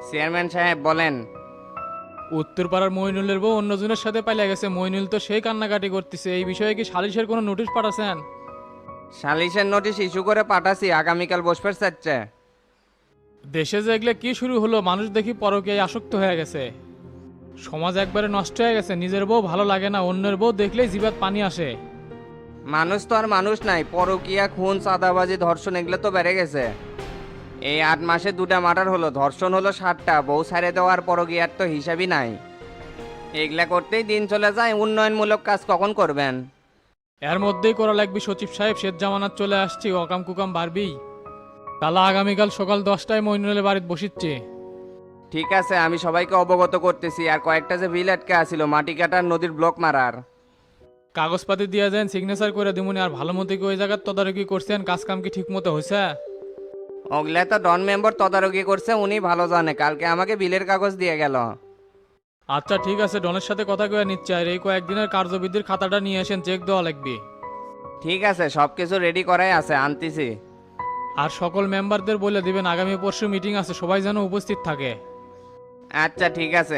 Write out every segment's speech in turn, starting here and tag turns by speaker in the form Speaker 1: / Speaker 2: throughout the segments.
Speaker 1: Chairman সাহেব বলেন।
Speaker 2: উত্তরপাড়ার মইনুলের বউ অন্যজনের সাথে পালিয়ে গেছে। মইনুল তো সেই কান্নাকাটি করতেছে। এই বিষয়ে কি সালিশের কোনো নোটিশ পাঠাছেন?
Speaker 1: সালিশের নোটিশ ইস্যু করে পাঠাছি, আগামীকাল বসবে চাচ্ছে।
Speaker 2: দেশে যে এগুলো কি শুরু হলো, মানুষ দেখি পরকীয়ায় আসক্ত হয়ে গেছে। সমাজ একবারে নষ্ট হয়ে গেছে। নিজের বউ ভালো লাগে না, অন্যের বউ দেখলেই জিভাত পানি আসে।
Speaker 1: মানুষ তো আর মানুষ নাই, পরকীয়া, খুন, চাঁদাবাজি, ধর্ষণ এগুলো তো বেড়ে গেছে। এই 8 মাসে 2টা মার্ডার হলো, ধর্ষণ হলো 7টা, বউ ছাড়ে দেওয়ার পরকীয়ার তো হিসাবই নাই। এগুলা করতেই দিন চলে যায়, উন্নয়নমূলক কাজ কখন করবেন?
Speaker 2: এর মধ্যেই করা লাগবে সচিব সাহেব, শেষ জামানাত চলে আসছি, অকাম কুকাম বাড়বি। তালা আগামীকাল সকাল 10টায় মইনুলের বাড়িতে বসিচ্ছে।
Speaker 1: ঠিক আছে, আমি সবাইকে অবগত করতেছি। আর কয়েকটা যে বিল আটকে আছিল, মাটি কাটার, নদীর ব্লক মারার,
Speaker 2: কাগজপাতি দিয়ে যান, সিগনেচার করে দিমুনি। আর ভালো মতো কি ওই জায়গার তদারকি করছেন? কাজ কাম কি ঠিক মতো হয়েছে?
Speaker 1: ওগুলা তো ডন মেম্বার তদারকি করছে, উনি ভালো জানে। কালকে আমাকে বিলের কাগজ দিয়ে গেল।
Speaker 2: আচ্ছা ঠিক আছে, ডনের সাথে কথা কয়ে নিচ্ছে। আর এই কয়েকদিনের কার্যবিধির খাতাটা নিয়ে আসেন, চেক দেওয়া লাগবে।
Speaker 1: ঠিক আছে, সব কিছু রেডি করাই আছে, আনতেছি।
Speaker 2: আর সকল মেম্বারদের বলে দিবেন আগামী পরশু মিটিং আছে, সবাই যেন উপস্থিত থাকে।
Speaker 1: আচ্ছা ঠিক আছে।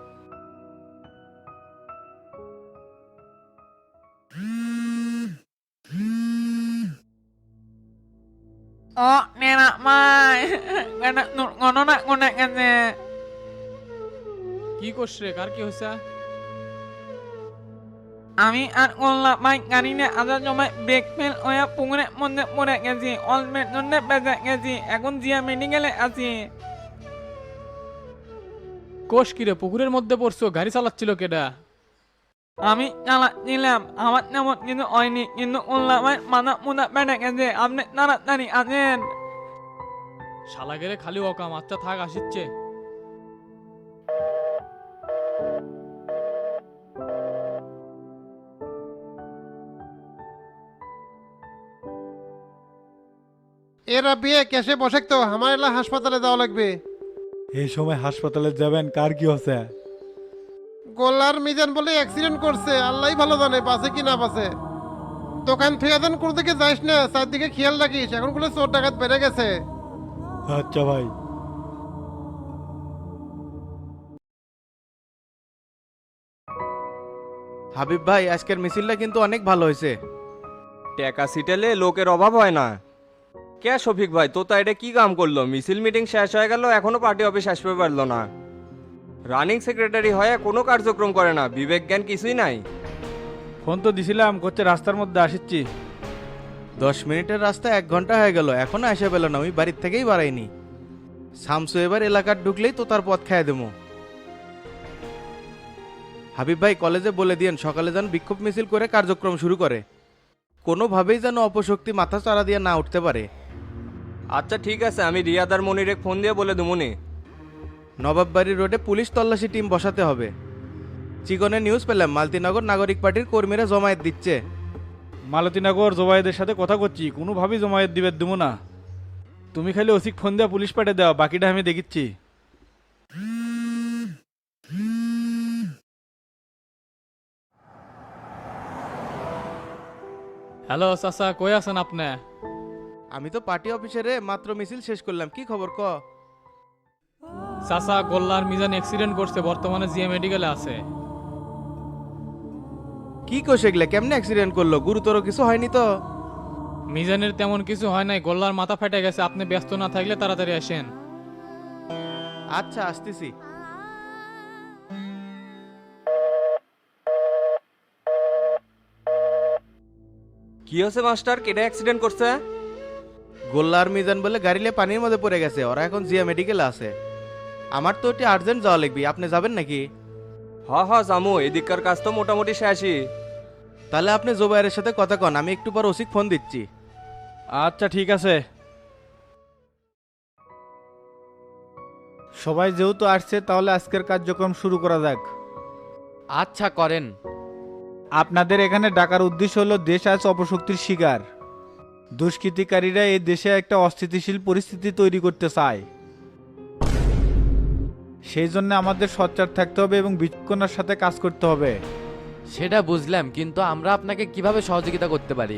Speaker 3: Oh, nenek mai. Kena ngono nak ngono kene.
Speaker 2: কি করছে? কার কি হয়েছে?
Speaker 3: আমি আর গোল্লা মাই গাড়িনে আদা জমায় ব্রেক ফেল ওয়া পুকুরের মধ্যে পড়ে গেছি। অলমেট জন্য বেঁচে গেছি। এখন জিয়া মেডিকেলে আছি।
Speaker 2: কোষ কিরে, পুকুরের মধ্যে পড়ছো? গাড়ি চালাচ্ছিল কেডা?
Speaker 3: আমি চালাচ্ছিলাম, আমার তেমন কিন্তু হয়নি, কিন্তু গোল্লা মাই মাথা মুদা বেড়ে গেছে। আপনি তাড়াতাড়ি আছেন।
Speaker 2: শালা গেলে খালি অকাম। আচ্ছা থাক, আসিচ্ছে।
Speaker 4: এরা বিয়ে কেসে বসে তো আমার এলা হাসপাতালে যাওয়া লাগবে।
Speaker 5: এই সময় হাসপাতালে যাবেন? কার কি হচ্ছে?
Speaker 4: গোল্লার মিজান বলে অ্যাক্সিডেন্ট করছে, আল্লাহ ভালো জানে বাসে কি না বাসে। দোকান থেকে দেন কোন দিকে যাইস না, চারদিকে খেয়াল রাখিস, এখন গুলো চোর ডাকাত বেড়ে গেছে।
Speaker 5: আচ্ছা ভাই।
Speaker 6: হাবিব ভাই, আজকের মিছিলটা কিন্তু অনেক ভালো হয়েছে।
Speaker 1: টাকা সিটেলে লোকের অভাব হয় না। কে শফিক ভাই, তো তা এটা কি কাম করলো? মিছিল মিটিং শেষ হয়ে গেল, এখনো পার্টি অফিস আসতে পারলো না। রানিং সেক্রেটারি হয়ে কোনো কার্যক্রম করে না, বিবেক জ্ঞান কিছুই নাই।
Speaker 7: ফোন তো দিছিলাম, করছে রাস্তার মধ্যে আসিচ্ছি।
Speaker 6: 10 মিনিটের রাস্তা 1 ঘন্টা হয়ে গেল, এখনো আসে পেল না। আমি বাড়ির থেকেই বাড়াইনি। শামসু এবার এলাকার ঢুকলেই তো তার পথ খাইয়ে দেবো। হাবিব ভাই, কলেজে বলে দিয়েন সকালে যেন বিক্ষোভ মিছিল করে কার্যক্রম শুরু করে। কোনোভাবেই যেন অপশক্তি মাথা চারা দিয়ে না উঠতে পারে।
Speaker 1: আচ্ছা ঠিক আছে, আমি রিয়াদার মনিরে ফোন দিয়ে বলে দেবনি।
Speaker 6: নবাববাড়ি রোডে পুলিশ তল্লাশি টিম বসাতে হবে। চিকনে নিউজ পেলাম মালতীনগর নাগরিক পার্টির কর্মীরা জমায়েত দিচ্ছে।
Speaker 7: মালতীনগর জমায়েদের সাথে কথা করছি, কোনোভাবেই জমায়েত দিবে দেবো না। তুমি খালি ওসিক ফোন দেওয়া পুলিশ পাঠিয়ে দেওয়া, বাকিটা আমি দেখিচ্ছি।
Speaker 2: হ্যালো চাচা, কই আছেন আপনি?
Speaker 6: আমি তো পার্টি অফিসে রে, মাত্র মিছিল শেষ করলাম। কি খবর ক?
Speaker 2: চাচা, গোল্লার মিজান অ্যাক্সিডেন্ট করছে, বর্তমানে জিএম মেডিকেলে আছে।
Speaker 6: কি কোষ এগুলা? কেমনে অ্যাক্সিডেন্ট করলো? গুরুতর কিছু হয়নি তো?
Speaker 2: মিজানের তেমন কিছু হয় নাই, গোল্লার মাথা ফেটে গেছে। আপনি ব্যস্ত না থাকলে তাড়াতাড়ি আসেন।
Speaker 6: আচ্ছা, আসতেছি।
Speaker 1: কি হয়েছে মাস্টার, কেটে অ্যাক্সিডেন্ট করছে?
Speaker 6: গোল্লার মিজান বলে গাড়িলে পানির মধ্যে পড়ে গেছে। ওরা এখন জিয়া মেডিকেলে আছে। আমার তো ওটি আর্জেন্ট যাওয়া লাগবে। আপনি যাবেন নাকি?
Speaker 1: হ জামু, এদিককার কাজ তো মোটামুটি শেষই।
Speaker 6: তাহলে আপনি জোবাইরের সাথে কথা কন, আমি একটু পর ওসিক ফোন দিচ্ছি।
Speaker 7: আচ্ছা ঠিক আছে।
Speaker 5: সবাই যেহেতু আসছে তাহলে আজকের কার্যক্রম শুরু করা যাক।
Speaker 8: আচ্ছা করেন।
Speaker 5: আপনাদের এখানে ডাকার উদ্দেশ্য হলো দেশ আজ অপশক্তির শিকার। দুষ্কৃতিকারীরা এই দেশে একটা অস্থিতিশীল পরিস্থিতি তৈরি করতে চায়। সেই জন্য আমাদের সোচ্চার থাকতে হবে এবং বিচক্ষণতার সাথে কাজ করতে হবে।
Speaker 8: সেটা বুঝলাম, কিন্তু আমরা আপনাকে কিভাবে সহযোগিতা করতে পারি?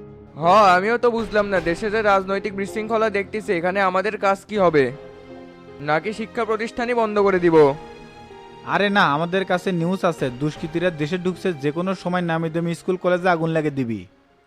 Speaker 9: আমিও তো বুঝলাম না, দেশে যে রাজনৈতিক বিশৃঙ্খলা দেখতেছি, এখানে আমাদের কাজ কি হবে? নাকি শিক্ষা প্রতিষ্ঠানই বন্ধ করে দিব?
Speaker 5: আরে না, আমাদের কাছে নিউজ আছে, দুষ্কৃতীরা দেশে ঢুকছে, যে কোনো সময় নামি দামি স্কুল কলেজে আগুন লাগিয়ে দিবি,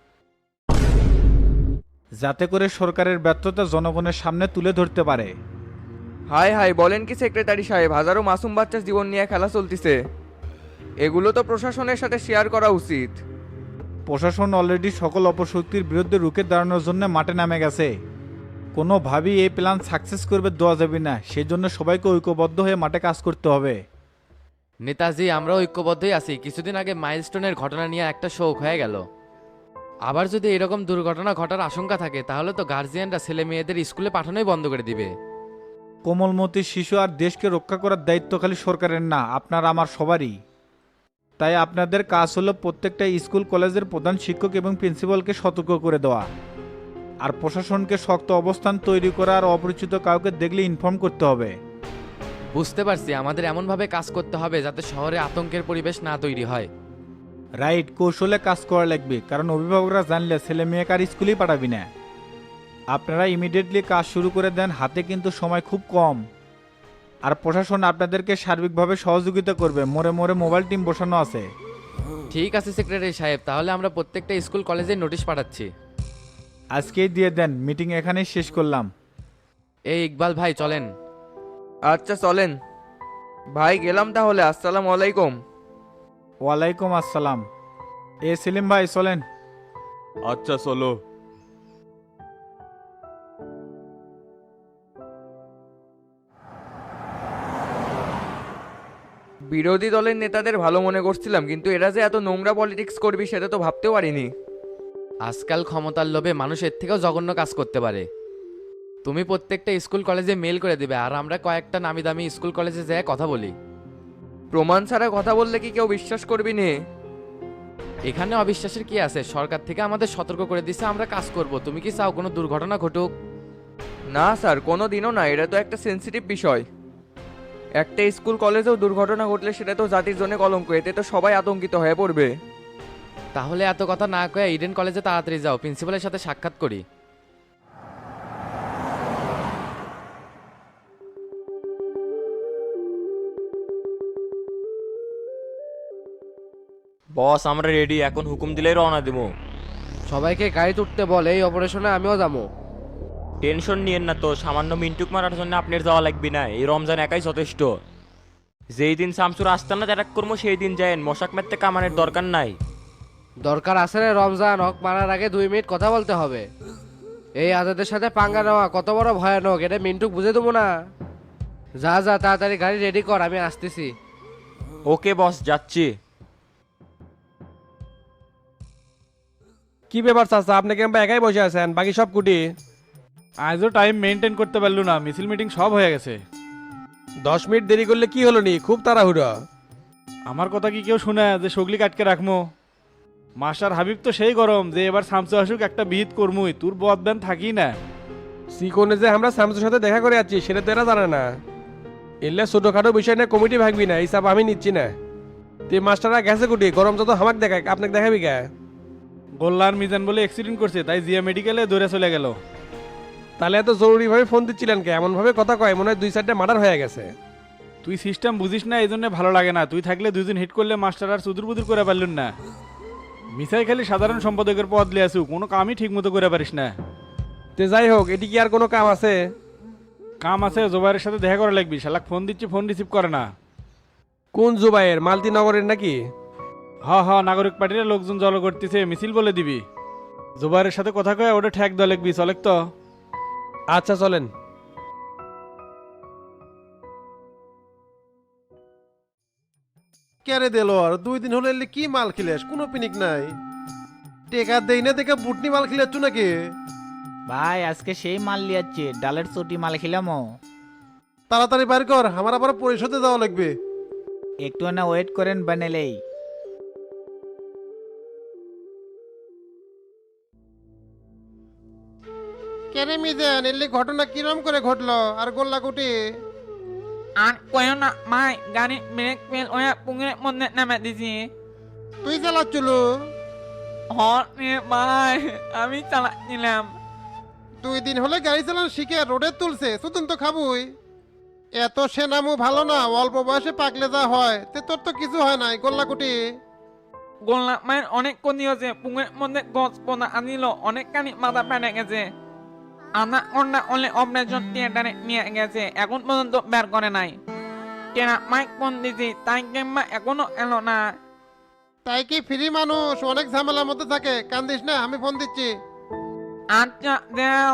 Speaker 5: যাতে করে সরকারের ব্যর্থতা জনগণের সামনে তুলে ধরতে পারে।
Speaker 9: হাই হাই, বলেন কি সেক্রেটারি সাহেব, হাজারো মাসুম বাচ্চার জীবন নিয়ে খেলা চলতিছে। এগুলো তো প্রশাসনের সাথে শেয়ার করা উচিত।
Speaker 5: প্রশাসন অলরেডি সকল অপশক্তির বিরুদ্ধে রুখে দাঁড়ানোর জন্য মাঠে নামে গেছে। কোনোভাবেই এই প্ল্যান সাকসেস করবে দেওয়া যাবে না, সেই জন্য সবাইকে ঐক্যবদ্ধ হয়ে মাঠে কাজ করতে হবে।
Speaker 8: নেতাজি, আমরা ঐক্যবদ্ধই আছি। কিছুদিন আগে মাইলস্টোনের ঘটনা নিয়ে একটা শোক হয়ে গেল। আবার যদি এরকম দুর্ঘটনা ঘটার আশঙ্কা থাকে তাহলে তো গার্জিয়ানরা ছেলে মেয়েদের স্কুলে পাঠানোই বন্ধ করে দিবে।
Speaker 5: কোমলমতি শিশু আর দেশকে রক্ষা করার দায়িত্ব খালি সরকারের না, আপনার আমার সবারই। তাই আপনাদের কাজ হলো প্রত্যেকটা স্কুল কলেজের প্রধান শিক্ষক এবং প্রিন্সিপালকে সতর্ক করে দেওয়া, আর প্রশাসনকে শক্ত অবস্থান তৈরি করা, আর অপরিচিত কাউকে দেখলে ইনফর্ম করতে হবে।
Speaker 8: বুঝতে পারছি, আমাদের এমনভাবে কাজ করতে হবে যাতে শহরে আতঙ্কের পরিবেশ না তৈরি হয়।
Speaker 5: রাইট, কৌশলে কাজ করা লাগবে, কারণ অভিভাবকরা জানলে ছেলে মেয়েকে আর স্কুলেই পাঠাবি না। আপনারা ইমিডিয়েটলি কাজ শুরু করে দেন, হাতে কিন্তু সময় খুব কম। আর প্রশাসন আপনাদেরকে সার্বিকভাবে সহযোগিতা করবে, মোড়ে মোড়ে মোবাইল টিম বসানো আছে।
Speaker 8: ঠিক আছে সেক্রেটারি সাহেব, তাহলে আমরা প্রত্যেকটা স্কুল কলেজে নোটিশ পাঠাচ্ছি।
Speaker 5: আজকেই দিয়ে দেন, মিটিং এখানেই শেষ করলাম।
Speaker 8: এই ইকবাল ভাই চলেন।
Speaker 9: আচ্ছা চলেন ভাই, গেলাম তাহলে। আসসালামু আলাইকুম।
Speaker 5: ওয়ালাইকুম আসসালাম। সেলিম ভাই চলেন।
Speaker 10: আচ্ছা চলো।
Speaker 9: বিরোধী দলের নেতাদের ভালো মনে করছিলাম, কিন্তু এরা যে এত নোংরা পলিটিক্স করবি সেটা তো ভাবতেও পারিনি।
Speaker 8: আজকাল ক্ষমতার লোভে মানুষ এর থেকেও জঘন্য কাজ করতে পারে। তুমি প্রত্যেকটা স্কুল কলেজে মেল করে দিবে, আর আমরা কয়েকটা নামি দামি স্কুল কলেজে যেয়ে কথা বলি।
Speaker 9: প্রমাণ ছাড়া কথা বললে কি কেউ বিশ্বাস করবি নে?
Speaker 8: এখানে অবিশ্বাসের কি আছে? সরকার থেকে আমাদের সতর্ক করে দিছে, আমরা কাজ করব। তুমি কি চাও কোনো দুর্ঘটনা ঘটুক?
Speaker 9: না স্যার, কোনো দিনও না। এটা তো একটা সেন্সিটিভ বিষয়। একটা স্কুল কলেজেও দুর্ঘটনা ঘটলে সেটা তো জাতির জন্য কলঙ্ক, এতে তো সবাই আতঙ্কিত হয়ে পড়বে।
Speaker 8: তাহলে এত কথা না কয়ে ইডেন কলেজে তাড়াতাড়ি যাও, প্রিন্সিপালের সাথে সাক্ষাৎ করি।
Speaker 10: বস আমরা রেডি, এখন হুকুম দিলেই রওনা দেবো।
Speaker 11: সবাইকে গাড়িতে উঠতে বল, এই অপারেশনে আমিও যাবো।
Speaker 10: টেনশন নিয়েন না তো, সামান্য মিন্টুক মারার জন্য আপনার যাওয়া লাগবে না, এই রমজান একাই যথেষ্ট। যেই দিন শামসুর আস্তানা অ্যাটাক করবো সেই দিন যায়েন, মশাক মারতে কামানের দরকার নাই।
Speaker 11: দরকার আছে রে রমজান, হক মারার আগে 2 মিনিট কথা বলতে হবে। এই আজাদের সাথে পাঙ্গা নেওয়া কত বড় ভয়ানক, এটা মিন্টুক বুঝে দেবো না। যা যা তাড়াতাড়ি গাড়ি রেডি কর, আমি আসতেছি।
Speaker 10: ওকে বস, যাচ্ছি।
Speaker 12: কি ব্যাপার চাচা, আপনি কেমন একাই বসে আছেন, বাকি সব কুটি?
Speaker 7: আজও টাইম মেনটেন করতে পারলো না, মিছিল মিটিং সব হয়ে গেছে।
Speaker 12: 10 মিনিট দেরি করলে কি হলো নি, খুব তাড়াহুড়ো।
Speaker 7: আমার কথা কি কেউ শুনে যে সগলি কাটকে রাখবো? মাস্টার হাবিব তো সেই গরম যে এবার শামসু আসুক একটা বিহিত করমুই, তোর বদবেন থাকি না।
Speaker 12: সিকোনে যে আমরা শামসুর সাথে দেখা করে যাচ্ছি সেটা তো এরা জানে না। এলে ছোটখাটো বিষয় নিয়ে কমিটি ভাগবি না, হিসাব আমি নিচ্ছি না। তে মাস্টাররা গেছে কুটি, গরম যত হামাক দেখায়, আপনাকে দেখাবি কে?
Speaker 7: গোল্লার মিজান বলে অ্যাক্সিডেন্ট করছে, তাই জিয়া মেডিকেলে দৌড়ে চলে গেল।
Speaker 12: তাহলে এত জরুরিভাবে ফোন দিচ্ছিলেন কে? এমনভাবে কথা কয় মনে হয় 2-4টে মার্ডার হয়ে গেছে।
Speaker 7: তুই সিস্টেম বুঝিস না, এই জন্য ভালো লাগে না। তুই থাকলে 2 দিন হিট করলে মাস্টার আর সুদূর বুদুর করে পারলেন না। মিসাই খালি সাধারণ সম্পাদকের পদ লিয়ে আসু, কোনো কামই ঠিক মতো করে পারিস না।
Speaker 12: তে যাই হোক, এটি কি আর কোনো কাম আছে?
Speaker 7: কাম আছে, জোবাইরের সাথে দেখা করা লাগবি। শালাক ফোন দিচ্ছি, ফোন রিসিভ করে না।
Speaker 12: কোন জুবাইয়ের? মালতি নগরের নাকি?
Speaker 7: হ নাগরিক পার্টির লোকজন জল করতেছে, মিছিল বলে দিবি। জোবাইরের সাথে কথা কয়ে ওটা ঠেক দেওয়া লাগবি, চলেক তো।
Speaker 12: আচ্ছা চলেন।
Speaker 4: কেরে দিল আর 2 দিন হলে এলে কি মাল খিলেস, কোনো পিনিক নাই। টেকা দেই না দেখে বুটনি মাল খিলেছ নাকি?
Speaker 5: ভাই আজকে সেই মাল লিয়াচ্ছি, ডালের চটি মাল খিলাম।
Speaker 4: তাড়াতাড়ি বাইর কর, আমার আবার পরিশোধে যাওয়া লাগবে।
Speaker 5: একটু না ওয়েট করেন বানেলেই।
Speaker 4: কেরে মিজান, এলে ঘটনা কিরম করে ঘটলো আর গোল্লা কুটি?
Speaker 3: আর কয়ও না ভাই, গাড়ি ব্রেক ফেল ওয়া পুকুরের মধ্যে নামে দিছি।
Speaker 4: তুই চালাচ্ছিল?
Speaker 3: রে ভাই, আমি চালাচ্ছিলাম।
Speaker 4: 2 দিন হলে গাড়ি চালান শিখে রোডে তুলছে, সুতন তো খাবুই। এত সেনামু ভালো না, অল্প বয়সে পাকলে যা হয় তে তোর তো কিছু হয় নাই গোল্লাকুটি।
Speaker 3: গোল্লা মায়ের অনেক ক্ষতি হয়েছে, পুকুরের মধ্যে গছ পোনা আনিল, অনেক কানি মাথা ফেটে গেছে। আনা অন্যা অলে অপারেশন থিয়েটারে নিয়ে গেছে, এখন পর্যন্ত বের করে নাই। টেরা মাইক ফোন দিছি, তাই কিংবা এখনো এলো না।
Speaker 4: তাই কি ফ্রি মানুষ অনেক ঝামেলার মধ্যে থাকে, কান্দিস না, আমি ফোন দিচ্ছি।
Speaker 3: আচ্ছা দেও।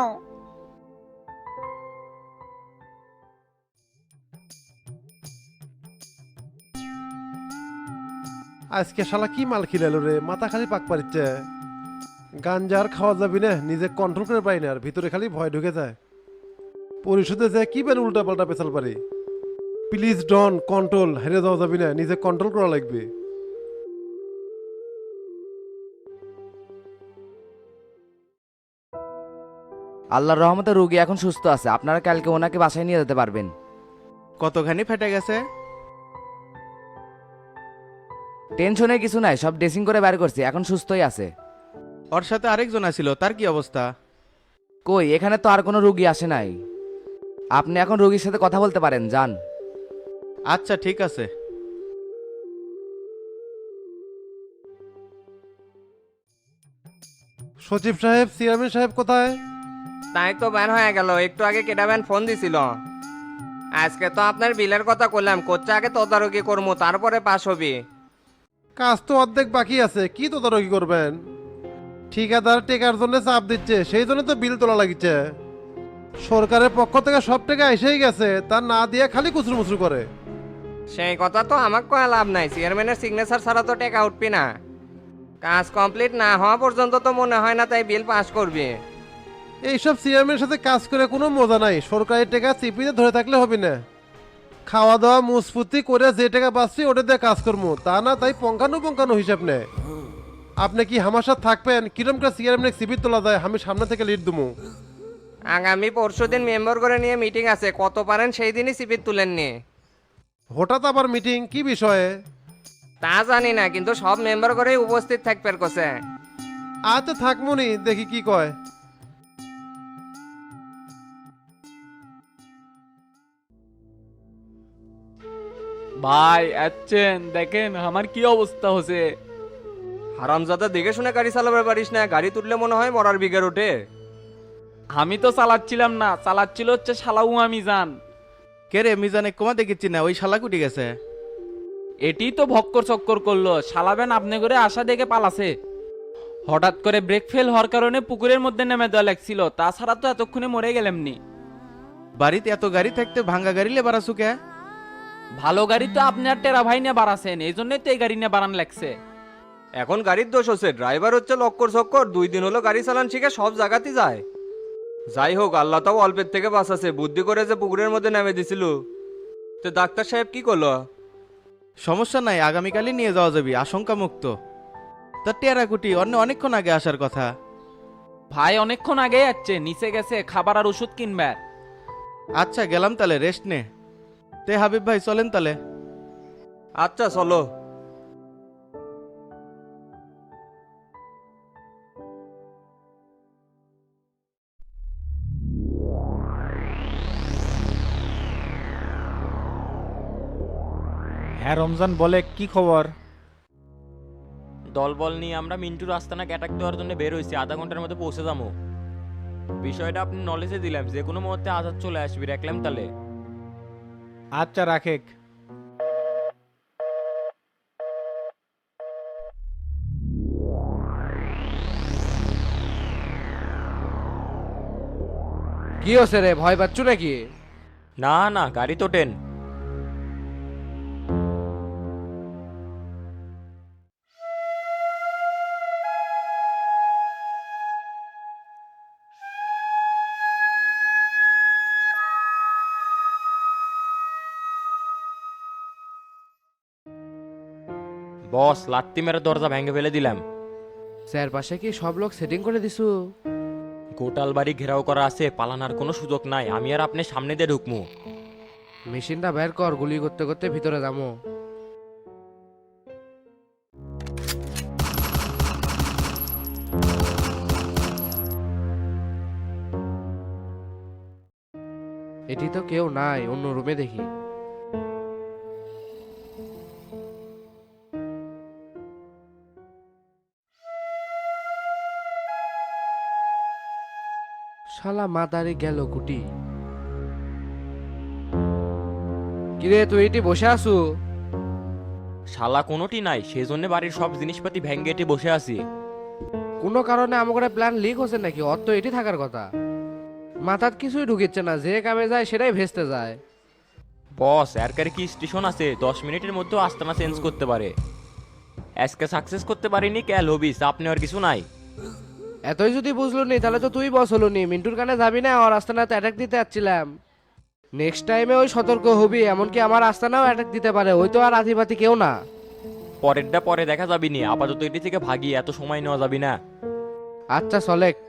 Speaker 4: আজকে শালা কি মাল খিলালো রে, মাথা খালি পাক পারিচ্ছে। গাঞ্জার খাওয়া যাবি না, নিজে কন্ট্রোল করে পাই না, আর ভিতরে খালি ভয় ঢুকে যায়। পরিশোধে যে কি বেন উল্টা পাল্টা পেছাল পারি। প্লিজ ডন কন্ট্রোল, হেরে যাওয়া যাবি না, নিজে কন্ট্রোল করা লাগবে।
Speaker 13: আল্লাহর রহমতে রোগী এখন সুস্থ আছে, আপনারা কালকে ওনাকে বাসায় নিয়ে যেতে পারবেন।
Speaker 6: কতখানি ফেটে গেছে?
Speaker 13: টেনশনে কিছু নাই, সব ড্রেসিং করে বের করছি, এখন সুস্থই আছে।
Speaker 6: ওর সাথে আরেকজন আছিল, তার কি অবস্থা?
Speaker 13: কই, এখানে তো আর কোনো রোগী আসে নাই। আপনি এখন রোগীর সাথে কথা বলতে পারেন, যান।
Speaker 6: আচ্ছা ঠিক আছে।
Speaker 4: সচিব সাহেব, চেয়ারম্যান সাহেব কোথায়?
Speaker 1: তাই তো ব্যান হয়ে গেল, একটু আগে কেটা ব্যান ফোন দিছিল। আজকে তো আপনার বিলের কথা করলাম, কোচ্চা আগে তদারকি করবো, তারপরে পাস হবি।
Speaker 4: কাজ তো অর্ধেক বাকি আছে, কি তদারকি করবেন? ঠিকাদার টেকার জন্য চাপ দিচ্ছে, সেই জন্য তো বিল তোলা লাগিচ্ছে। সরকারের পক্ষ থেকে সব টাকা এসেই গেছে, তার না দিয়ে খালি কুচুর মুচুর করে।
Speaker 1: সেই কথা তো আমাকে কয়া লাভ নাই, চেয়ারম্যানের সিগনেচার ছাড়া তো টাকা উঠবি না। কাজ কমপ্লিট না হওয়া পর্যন্ত তো মনে হয় না তাই বিল পাস করবি।
Speaker 4: এইসব চেয়ারম্যানের সাথে কাজ করে কোনো মজা নাই, সরকারি টাকা চিপিতে ধরে থাকলে হবে না। খাওয়া দাওয়া মুসফুতি করে যে টাকা পাচ্ছি ওটা দিয়ে কাজ করবো, তা না তাই পঙ্কানো হিসাব নেয়। আপনি কি আমার সাথে থাকবেন? কিরম করে চেয়ারম্যানের সিপি তোলা যায়, আমি সামনে থেকে লিড দেবো।
Speaker 1: আগামী পরশুদিন মেম্বার করে নিয়ে মিটিং আছে, কত পারেন সেই দিনই সিপির তুলেন নি।
Speaker 4: হঠাৎ আবার মিটিং, কি বিষয়ে?
Speaker 1: তা জানি না, কিন্তু সব মেম্বার করে উপস্থিত থাকবে কোসে।
Speaker 4: আচ্ছা থাকমুনি, দেখি কি কয়।
Speaker 3: ভাই আচ্ছেন, দেখেন আমার কি অবস্থা হচ্ছে।
Speaker 1: হারামজাদা দেখে শুনে গাড়ি চালাবে পারিস না, গাড়ি তুললে মনে হয় মরার বিঘের ওঠে।
Speaker 3: আমি তো চালাচ্ছিলাম না, চালাচ্ছিল হচ্ছে শালাউ আমি জান।
Speaker 6: কে রে মিজানে কমা দেখেছি না, ওই শালা কুটি গেছে।
Speaker 3: এটি তো ভক্কর চক্কর করলো, শালাবেন আপনি করে আশা দেখে পালাছে। হঠাৎ করে ব্রেক ফেল হওয়ার কারণে পুকুরের মধ্যে নেমে দেওয়া লাগছিল, তাছাড়া তো এতক্ষণে মরে গেলামনি।
Speaker 6: বাড়িতে এত গাড়ি থাকতে ভাঙ্গা গাড়ি লে বাড়াছু কে?
Speaker 3: ভালো গাড়ি তো আপনি আর টেরা ভাই নিয়ে বাড়াছেন, এই জন্যই তো এই গাড়ি নিয়ে বাড়ান লাগছে।
Speaker 1: এখন গাড়ির দোষ হচ্ছে, ড্রাইভার হচ্ছে লক্কর চক্কর, 2 দিন হলো গাড়ি চালান শিখে সব জায়গাতেই যায়। যাই হোক, আল্লাহ তাও অল্পের থেকে বাঁচাছে, বুদ্ধি করে যে পুকুরের মধ্যে নেমে দিছিল। তো ডাক্তার সাহেব কি করলো?
Speaker 6: সমস্যা নাই, আগামীকালই নিয়ে যাওয়া যাবে, আশঙ্কা মুক্ত। তা টেরাকুটি অন্য অনেকক্ষণ আগে আসার কথা।
Speaker 3: ভাই অনেকক্ষণ আগে যাচ্ছে, নিচে গেছে খাবার আর ওষুধ কিনবার।
Speaker 6: আচ্ছা গেলাম তাহলে, রেস্ট নে। তে হাবিব ভাই চলেন তাহলে।
Speaker 1: আচ্ছা চলো।
Speaker 5: হ্যাঁ রমজান, বলে কি খবর?
Speaker 10: দলবল নিয়ে আমরা মিন্টুর আস্তানা অ্যাটাক দেওয়ার জন্য বের হয়েছি, আধা ঘন্টার মধ্যে পৌঁছে যাবো। বিষয়টা আপনি নলেজে দিলাম, যে কোনো মুহূর্তে আজাদ চলে আসবি, রাখলাম তাহলে।
Speaker 5: আচ্ছা রাখেক।
Speaker 11: কি হচ্ছে রে, ভয় পাচ্ছ নাকি?
Speaker 10: না না, গাড়ি তো টেন। বস, লাত্তি মেরে দরজা ভেঙে ফেলে দিলাম।
Speaker 11: স্যার পাশে কি সব লোক সেটিং করে দিছু?
Speaker 10: গোটাল বাড়ি ঘেরাও করা আছে, পালানোর কোনো সুযোগ নাই, আমি আর আপনি সামনে দিয়ে ঢুকমু।
Speaker 11: মেশিনটা বের কর, গুলি করতে করতে ভিতরে যাবো। এটি দেখি তো কেউ নাই, অন্য রুমে দেখি। শালা মাতারি গেল কুটি। কিরে তুই এটি বসে আসু?
Speaker 10: শালা কোনোটি নাই, সেই জন্য বাড়ির সব জিনিসপাতি ভেঙ্গে এটি বসে আছি।
Speaker 11: কোনো কারণে আমাকে প্ল্যান লিক হচ্ছে নাকি? অত তো এটি থাকার কথা। মাথার কিছুই ঢুকিচ্ছে না, যে কামে যায় সেটাই ভেস্তে যায়।
Speaker 10: বস এরকারে কি স্টেশন আছে 10 মিনিটের মধ্যেও আস্তানা চেঞ্জ করতে পারে। আজকে সাকসেস করতে পারিনি, ক্যাল হবি, চাপ নেওয়ার কিছু নাই।
Speaker 11: এতই যদি বুঝলো নি তাহলে তো তুই বস হলো নি, মিন্টুর কানে যাবি না? আর আস্তানাতে অ্যাটাক দিতে যাচ্ছিলাম। নেক্সট টাইমে ওই সতর্ক হবি, এমনকি আমার আস্তানাও অ্যাটাক দিতে পারে, ওই তো আর আধিপাতি কেউ না।
Speaker 10: পরেরটা পরে দেখা যাবি নি, আপাতত এটি থেকে ভাগি, এত সময় নেওয়া যাবি না।
Speaker 11: আচ্ছা চলেক।